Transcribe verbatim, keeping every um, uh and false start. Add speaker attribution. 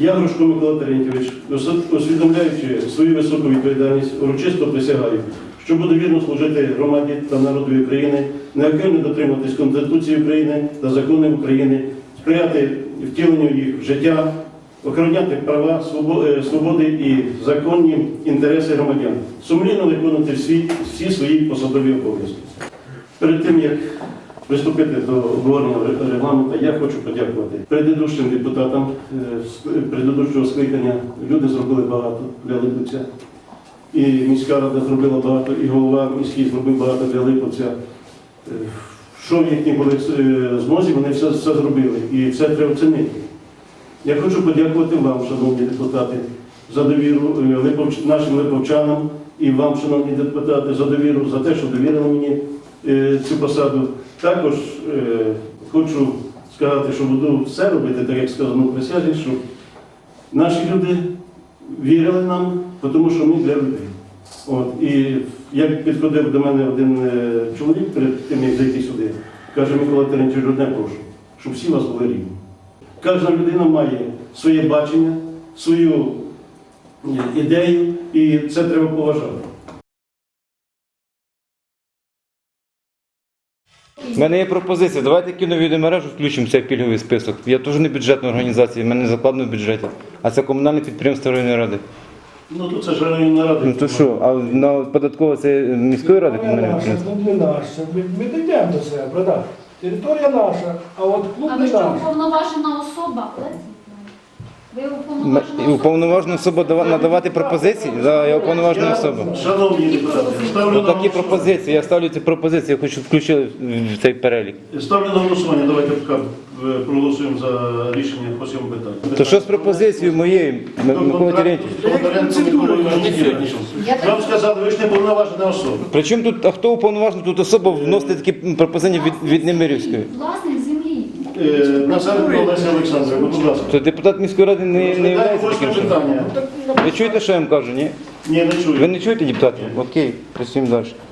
Speaker 1: Я, Грушко Микола Терентьович, усвідомляючи свою високу відповідальність, урочисто присягаю, що буду вірно служити громаді та народу України, неухильно дотримуватись Конституції України та законів України, сприяти втіленню їх в життя, охороняти права, свободи і законні інтереси громадян, сумлінно виконувати всі, всі свої посадові обов'язки. Перед тим, як приступити до обговорення регламенту, я хочу подякувати предыдущим депутатам предыдущого скликання. Люди зробили багато для Липовця. І міська рада зробила багато, і голова міський зробив багато для Липовця. Що в їхній були змозі, вони все, все зробили. І це треба оцінити. Я хочу подякувати вам, шановні депутати, за довіру липовч... нашим липовчанам і вам, шановні депутати, за довіру, за те, що довірили мені е, цю посаду. Також е, хочу сказати, що буду все робити, так як сказано в присязі, щоб наші люди вірили нам, тому що ми для людей. От. І як підходив до мене один е, чоловік перед тим, як зайти сюди, каже: Микола Терентьович, одне прошу, щоб всі вас були рівні. Кожна людина має своє бачення, свою ідею, і це треба поважати.
Speaker 2: У мене є пропозиція. Давайте кіновідеомережу включимо в цей пільговий список. Я теж не бюджетна організація, в мене не закладено в бюджеті. А це комунальне підприємство районної ради.
Speaker 1: Ну, то це ж районна рада.
Speaker 2: Ну то що, а на податково це міської ради комунальне
Speaker 3: Наша,
Speaker 2: підприємство?
Speaker 3: клуб не наш. Ми, ми дійдемо до себе, брата. Територія наша, а от клуб
Speaker 4: А
Speaker 3: не
Speaker 4: ви що,
Speaker 3: наш.
Speaker 4: уповноважена особа? Ви
Speaker 2: М-
Speaker 4: уповноважена
Speaker 2: І уповноважена особа дава- надавати пропозиції? Да, я уповноважена особа.
Speaker 1: Шановні депутати, ставлю на
Speaker 2: Отакі
Speaker 1: голосування.
Speaker 2: пропозиції, я ставлю ці пропозиції, я хочу включити в цей перелік.
Speaker 1: Ставлю на голосування, давайте поки е, проголосуємо за рішення по цьому питанню.
Speaker 2: То що з пропозицією моєю, Микола Терентьович?
Speaker 1: Вам сказали, ви ж не повноважена особа.
Speaker 2: Причому тут, а хто уповноважений тут особа вносити такі пропозиції від, від Немирівської?
Speaker 4: власник землі.
Speaker 1: Е, Назаренко Олеся Олександрівна, будь ласка.
Speaker 2: То депутат міської ради не, не є
Speaker 1: Розглядайте
Speaker 2: таким
Speaker 1: восьме
Speaker 2: чином.
Speaker 1: питання.
Speaker 2: Ви чуєте, що я вам кажу, ні?
Speaker 1: Ні, не чую.
Speaker 2: Ви не чуєте, депутати? Окей, працюємо далі.